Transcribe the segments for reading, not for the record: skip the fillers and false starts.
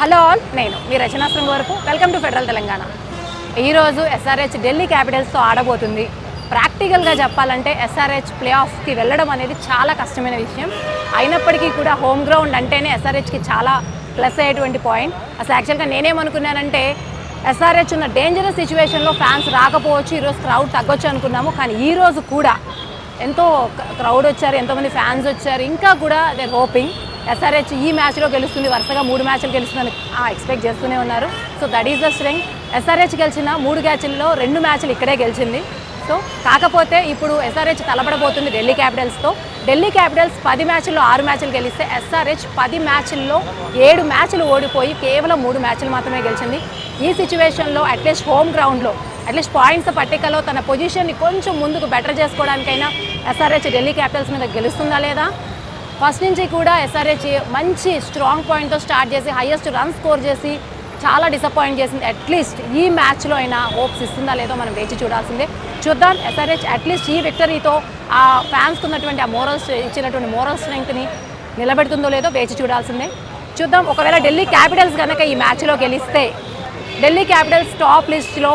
Hello all, నేను మీ రచనా వరకు welcome to federal Telangana. ఈరోజు ఎస్ఆర్హెచ్ ఢిల్లీ క్యాపిటల్స్తో ఆడబోతుంది. ప్రాక్టికల్గా చెప్పాలంటే ఎస్ఆర్హెచ్ ప్లే ఆఫ్కి వెళ్ళడం అనేది చాలా కష్టమైన విషయం. అయినప్పటికీ కూడా హోమ్ గ్రౌండ్ అంటేనే ఎస్ఆర్హెచ్కి చాలా ప్లస్ అయ్యేటువంటి పాయింట్. అసలు యాక్చువల్గా నేనేమనుకున్నానంటే ఎస్ఆర్హెచ్ ఉన్న డేంజరస్ సిచ్యువేషన్లో ఫ్యాన్స్ రాకపోవచ్చు, ఈరోజు క్రౌడ్ తగ్గొచ్చు అనుకున్నాము. కానీ ఈరోజు కూడా ఎంతో క్రౌడ్ వచ్చారు, ఎంతోమంది ఫ్యాన్స్ వచ్చారు. ఇంకా కూడా దే హోపింగ్ ఎస్ఆర్హెచ్ ఈ మ్యాచ్లో గెలుస్తుంది, వరుసగా 3 మ్యాచ్లు గెలుస్తుందని ఎక్స్పెక్ట్ చేస్తూనే ఉన్నారు. So that is the strength. SRH గెలిచిన 3 మ్యాచ్ల్లో 2 మ్యాచ్లు ఇక్కడే గెలిచింది. సో కాకపోతే ఇప్పుడు ఎస్ఆర్హెచ్ తలపడబోతుంది ఢిల్లీ క్యాపిటల్స్తో. ఢిల్లీ క్యాపిటల్స్ 10 మ్యాచ్ల్లో 6 మ్యాచ్లు గెలిస్తే ఎస్ఆర్హెచ్ 10 మ్యాచ్ల్లో 7 మ్యాచ్లు ఓడిపోయి కేవలం 3 మ్యాచ్లు మాత్రమే గెలిచింది. ఈ సిచ్యువేషన్లో అట్లీస్ట్ హోమ్ గ్రౌండ్లో అట్లీస్ట్ పాయింట్స్ పట్టికలో తన పొజిషన్ని కొంచెం ముందుకు బెటర్ చేసుకోవడానికైనా ఎస్ఆర్హెచ్ ఢిల్లీ క్యాపిటల్స్ మీద గెలుస్తుందా లేదా? ఫస్ట్ నుంచి కూడా ఎస్ఆర్హెచ్ మంచి స్ట్రాంగ్ పాయింట్తో స్టార్ట్ చేసి హైయెస్ట్ రన్ స్కోర్ చేసి చాలా డిసప్పాయింట్ చేసింది. అట్లీస్ట్ ఈ మ్యాచ్లో అయినా హోప్స్ ఇస్తుందా లేదో మనం వేచి చూడాల్సిందే. చూద్దాం ఎస్ఆర్హెచ్ అట్లీస్ట్ ఈ విక్టరీతో ఆ ఫ్యాన్స్కి ఉన్నటువంటి ఆ ఇచ్చినటువంటి మోరల్ స్ట్రెంగ్త్ని నిలబెడుతుందో లేదో వేచి చూడాల్సిందే. చూద్దాం. ఒకవేళ ఢిల్లీ క్యాపిటల్స్ కనుక ఈ మ్యాచ్లో గెలిస్తే ఢిల్లీ క్యాపిటల్స్ టాప్ లిస్ట్లో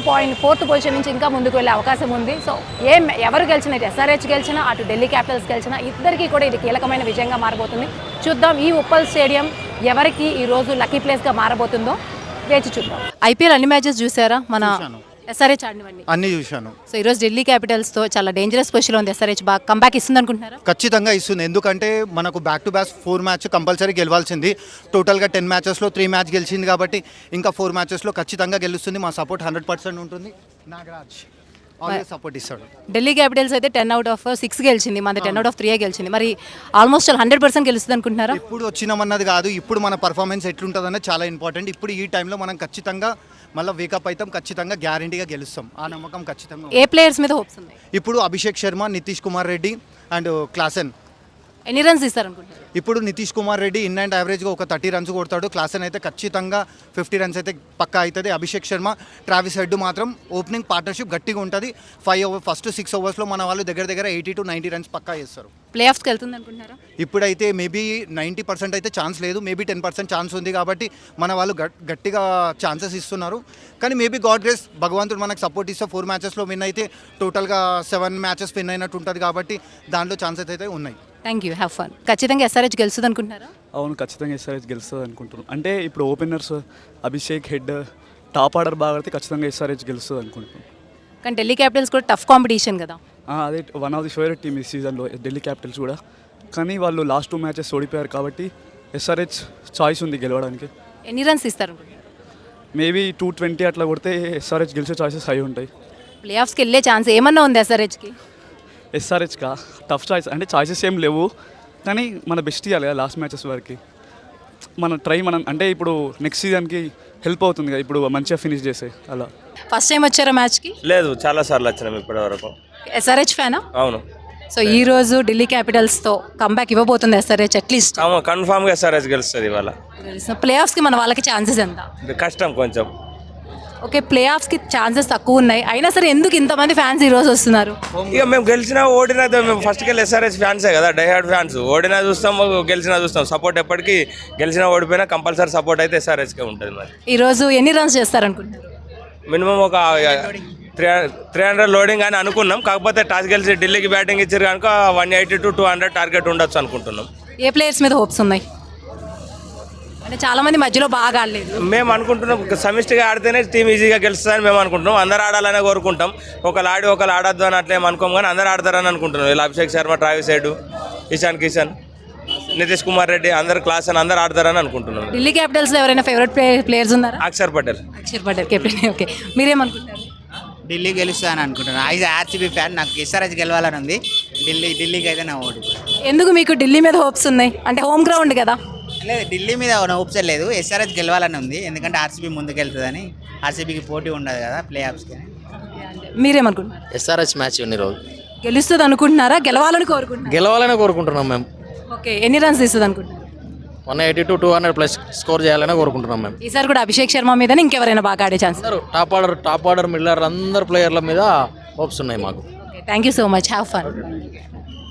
4th పొజిషన్ నుంచి ఇంకా ముందుకు వెళ్ళే అవకాశం ఉంది. సో ఎవరు గెలిచినా, ఇటు ఎస్ఆర్హెచ్ గెలిచినా అటు ఢిల్లీ క్యాపిటల్స్ గెలిచినా ఇద్దరికీ కూడా ఇది కీలకమైన విజయంగా మారబోతుంది. చూద్దాం ఈ ఉప్పల్ స్టేడియం ఎవరికి ఈరోజు లక్కీ ప్లేస్గా మారబోతుందో వేచి చూద్దాం. ఐపీఎల్ అన్ని మ్యాచెస్ చూసారా? మన ఎస్ఆర్హెచ్ ఆడినవన్నీ అన్ని చూశాను. సో ఈరోజు ఢిల్లీ క్యాపిటల్స్తో చాలా డేంజరస్ పొజిషన్లో ఉంది. ఎస్ఆర్హెచ్ బాగా కంబ్యాక్ ఇస్తుంది అనుకుంటున్నారా? ఖచ్చితంగా ఇస్తుంది. ఎందుకంటే మనకు back to back 4 match compulsory గెలవాల్సింది. టోటల్గా 10 మ్యాచెస్లో 3 మ్యాచ్ గెలిచింది కాబట్టి ఇంకా 4 మ్యాచెస్లో ఖచ్చితంగా గెలుస్తుంది. మా సపోర్ట్ 100% ఉంటుంది. నాగరాజ్ ఆల్వేస్ సపోర్ట్ ఇస్తాడు. ఢిల్లీ క్యాపిటల్స్ అయితే 10 out of 6 గెలిచింది, మన 10 out of 3 గెలిచింది. మరి ఆల్మోస్ట్ 100% గెలుస్తుంది అనుకుంటున్నారా? ఇప్పుడు వచ్చినామన్నది కాదు, ఇప్పుడు మన పర్ఫార్మెన్స్ ఎట్లుంటుందన్నది చాలా ఇంపార్టెంట్. ఇప్పుడు ఈ టైంలో మనం ఖచ్చితంగా మళ్ళీ వేకప్ అవుతాం, ఖచ్చితంగా గ్యారంటీగా గెలుస్తాం. ఆ నమ్మకం ఖచ్చితంగా. ఏ ప్లేయర్స్ మీద హోప్స్ ఉన్నాయి? ఇప్పుడు అభిషేక్ శర్మ, నితీష్ కుమార్ రెడ్డి అండ్ క్లాసెన్. ఎన్ని రన్స్ ఇస్తారనుకుంటున్నారు? ఇప్పుడు నితీష్ కుమార్ రెడ్డి ఇన్ అండ్ యావరేజ్గా ఒక 30 runs కొడతాడు. క్లాసెన్ అయితే ఖచ్చితంగా 50 runs అయితే పక్కా అవుతుంది. అభిషేక్ శర్మ, ట్రావిస్ హెడ్ మాత్రం ఓపెనింగ్ పార్ట్నర్షిప్ గట్టిగా ఉంటుంది. ఫస్ట్ 6 ఓవర్స్లో మన వాళ్ళు దగ్గర 80 to 90 runs పక్కా చేస్తారు. ప్లే ఆఫ్స్కి వెళ్తుంది అనుకుంటున్నారా? ఇప్పుడైతే మేబీ 90% అయితే ఛాన్స్ లేదు, మేబీ 10% ఛాన్స్ ఉంది. కాబట్టి మన వాళ్ళు గట్టిగా ఛాన్సెస్ ఇస్తున్నారు. కానీ మేబీ గాడ్ గ్రేస్, భగవంతుడు మనకు సపోర్ట్ ఇస్తే 4 మ్యాచెస్లో విన్ అయితే టోటల్గా 7 మ్యాచెస్ విన్ అయినట్టు ఉంటుంది. కాబట్టి దాంట్లో ఛాన్సెస్ అయితే ఉన్నాయి. Thank you, have fun. ఖచ్చితంగా ఎస్ఆర్హెచ్ గెలుస్తుంది అనుకుంటున్నారా? అవును, ఖచ్చితంగా ఎస్ఆర్హెచ్ గెలుస్తుంది అనుకుంటున్నాను. అంటే ఇప్పుడు openers Abhishek, head, top order బాగా ఆడితే ఖచ్చితంగా ఎస్ఆర్హెచ్ గెలుస్తుంది అనుకుంటున్నాను. కానీ ఢిల్లీ క్యాపిటల్స్ కూడా టఫ్ కాంపిటీషన్ కదా. అదే one of the favourite team ఈ సీజన్లో ఢిల్లీ క్యాపిటల్స్ కూడా. కానీ వాళ్ళు లాస్ట్ 2 మ్యాచెస్ ఓడిపోయారు కాబట్టి ఎస్ఆర్హెచ్ చాయిస్ ఉంది గెలవడానికి. ఎన్ని రన్స్ ఇస్తారు? మేబీ 220 అట్లా కొడితే ఎస్ఆర్హెచ్ గెలిచే ఛాయిసెస్ హై ఉంటాయి. ప్లే ఆఫ్స్కి వెళ్ళే ఛాన్స్ ఏమన్నా ఉంది ఎస్ఆర్హెచ్కి? ఎస్ఆర్హెచ్కా టఫ్ చాయిస్ అంటే చాయిసెస్ ఏం లేవు, కానీ మన బెస్ట్ ఇవ్వాలి కదా లాస్ట్ మ్యాచెస్ వరకు. మనం అంటే ఇప్పుడు నెక్స్ట్ సీజన్కి హెల్ప్ అవుతుంది కదా, ఇప్పుడు మంచిగా ఫినిష్ చేసే అలా. ఫస్ట్ టైం వచ్చారా మ్యాచ్కి? లేదు, చాలా సార్లు వచ్చినాం ఇప్పటి వరకు. ఎస్ఆర్హెచ్ ఫ్యానా? అవును. సో ఈ రోజు ఢిల్లీ క్యాపిటల్స్తో కంబ్యాక్ ఇవ్వబోతుంది ఎస్ఆర్హెచ్ అట్లీస్ట్? కన్ఫామ్గా ఎస్ఆర్హెచ్ గెలుస్తుంది ఇవాళ. ప్లే ఆఫ్స్కి మన వాళ్ళకి ఛాన్సెస్ ఎంత? కష్టం కొంచెం. ఓకే, ప్లే ఆఫ్స్కి ఛాన్సెస్ తక్కువ ఉన్నాయి, అయినా సరే ఎందుకు ఇంతమంది ఫ్యాన్స్ ఈ రోజు వస్తున్నారు? ఇక మేము గెలిచినా ఓడినా మేము ఫస్ట్కి వెళ్ళి ఎస్ఆర్హెచ్ ఫ్యాన్సే కదా, డైహార్డ్ ఫ్యాన్స్. ఓడినా చూస్తాం, గెలిచినా చూస్తాం. సపోర్ట్ ఎప్పటికీ గెలిచినా ఓడిపోయినా కంపల్సరీ సపోర్ట్ అయితే ఎస్ఆర్హెచ్కే ఉంటుంది. మరి ఈరోజు ఎన్ని రన్స్ చేస్తారనుకుంటున్నారు? మినిమం ఒక 300 లోడింగ్ అని అనుకున్నాం. కాకపోతే టాస్ గెలిచి ఢిల్లీకి బ్యాటింగ్ ఇచ్చారు కనుక 180 to 200 టార్గెట్ ఉండొచ్చు అనుకుంటున్నాం. ఏ ప్లేయర్స్ మీద హోప్స్ ఉన్నాయి? అంటే చాలా మంది మధ్యలో బాగా ఆడలేదు. మేము అనుకుంటున్నాం సమిష్టిగా ఆడితేనే టీం ఈజీగా గెలుస్తుందని మేము అనుకుంటున్నాం. అందరూ ఆడాలనే కోరుకుంటాం. ఒకళ్ళు ఆడి ఒకళ్ళు ఆడొద్దు అని అట్లేం అనుకోం, కానీ అందరూ ఆడతారని అనుకుంటున్నాం. ఇలా అభిషేక్ శర్మ, ట్రావిస్ హెడ్, ఇషాన్ కిషన్, నితీష్ కుమార్ రెడ్డి అందరు క్లాస్ అని అందరూ ఆడతారని అనుకుంటున్నాం. ఢిల్లీ క్యాపిటల్స్లో ఎవరైనా ఫేవరెట్ ప్లేయర్స్ ఉన్నారా? అక్షర్ పటేల్ కెప్టెన్. ఓకే, మీరేమనుకుంటారు? ఢిల్లీ గెలుస్తాను అనుకుంటున్నాను. ఐదు ఆర్సీబీ ఫ్యాన్, నాకు ఎస్ఆర్హెచ్ గెలవాలని ఉంది. ఢిల్లీకి అయితే నా ఓటు. ఎందుకు మీకు ఢిల్లీ మీద హోప్స్ ఉన్నాయి? అంటే హోమ్ గ్రౌండ్ కదా. లేదు, ఢిల్లీ మీద హోప్స్ లేదు, ఎస్ఆర్హెచ్ గెలవాలని ఉంది. ఎందుకంటే ఆర్సీబీ ముందుకెళ్తుందని. ఆర్సీబీకి పోటీ ఉండదు కదా ప్లే ఆఫ్స్కి. మీరేమనుకుంటున్నారు? ఎస్ఆర్హెచ్ మ్యాచ్ ఉంది రోజు. గెలుస్తుంది అనుకుంటున్నారా? గెలవాలని కోరుకుంటున్నారు? గెలవాలని కోరుకుంటున్నాం మేము. ఓకే, ఎన్ని రన్స్ ఇస్తుంది అనుకుంటున్నారు? 180 to 200+ స్కోర్ చేయాలని కోరుకుంటున్నాం మేము. ఈసారి కూడా అభిషేక్ శర్మ మీద ఇంకెవరైనా బాగా ఆడే ఛాన్స్? టాప్ ఆర్డర్ మిల్లర్ అందరు ప్లేయర్ల మీద హోప్స్ ఉన్నాయి మాకు. Thank you so much, have fun.